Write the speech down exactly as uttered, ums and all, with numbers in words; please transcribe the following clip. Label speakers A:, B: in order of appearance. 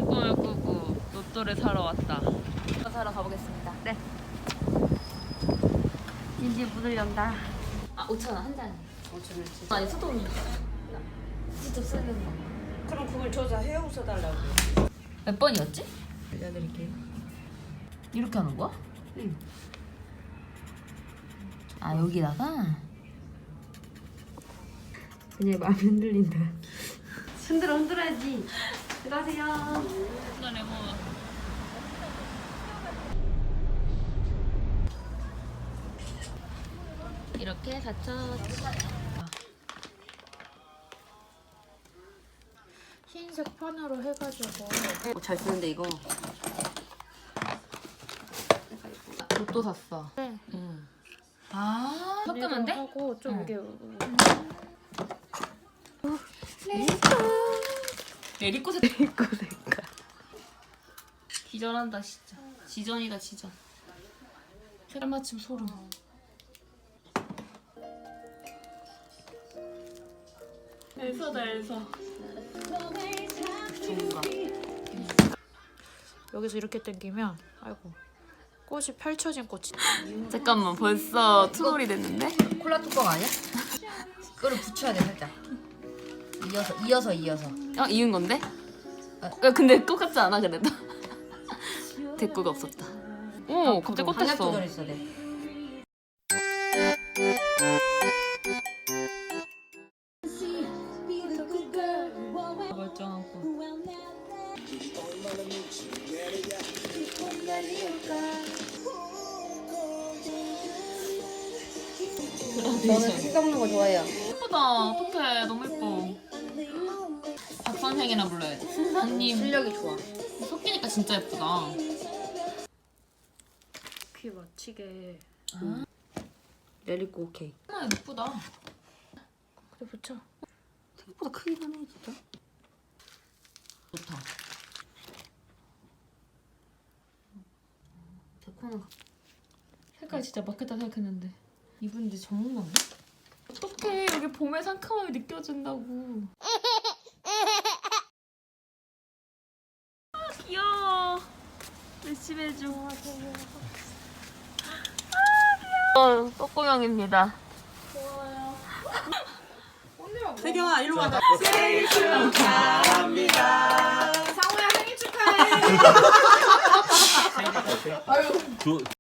A: 꿈을 꾸고 로또를 사러 왔다. 로또 사러 가보겠습니다. 네.
B: 이제 문을 연다.
A: 아 오천 원 한 잔에.
B: 오천 원치.
A: 아니 수동이. 직접 쓰는 거.
B: 그럼 그걸 줘서 해용 써달라고.
A: 몇 번이었지?
B: 알려드릴게요.
A: 이렇게 하는 거야?
B: 응.
A: 아 여기다가?
B: 그냥 마음이 흔들린다. 흔들어 흔들어야지. 들어가세요.
A: 그래 뭐. 이렇게 사천. 흰색 판으로 해가지고.
B: 어, 잘 쓰는데 이거.
A: 로또 샀어.
B: 네.
A: 응. 아 섞으면 돼?
B: 하고 좀
A: 응.
B: 이게
A: 리코 색깔. 리코 색깔. 기절한다 진짜. 지전이다 지전. 색깔 맞춤 소름. 엘사다 엘사.
B: 좋은가. 여기서 이렇게 당기면 아이고 꽃이 펼쳐진 꽃이.
A: 잠깐만 벌써 투몰이 됐는데?
C: 콜라 뚜껑 아니야? 그거를 붙여야 돼 살짝. 이어서 이어서 이어서.
A: 어 이은 건데? 야, 근데 똑같지 않아 그래도? 대꾸가 없었다. 오 갑자기 꽃
C: 방향
A: 됐어.
C: 조절했어 돼.
A: 멀쩡한 꽃.
C: 저는 술 먹는 거 좋아해요.
A: 예쁘다. 어떡해. 너무 예뻐. 박 선생이나 불러야지. 선생님.
C: 실력이 좋아.
A: 섞이니까 진짜 예쁘다.
B: 귀 맞추게.
A: 아,
B: 레리코 오케이.
A: 아 예쁘다.
B: 그래 붙여.
C: 생각보다 크긴 하네 진짜.
A: 좋다.
C: 데코는
A: 색깔 진짜 막혔다 생각했는데 이분 이제 전문가인가? 어떡해. 여기 봄의 상큼함이 느껴진다고. 아 귀여워. 열심히 해줘. 어, 꼬꼬명입니다.
B: 태경아 일로 와봐.
D: 생일 축하합니다.
B: 상호야 생일 축하해.
D: 두,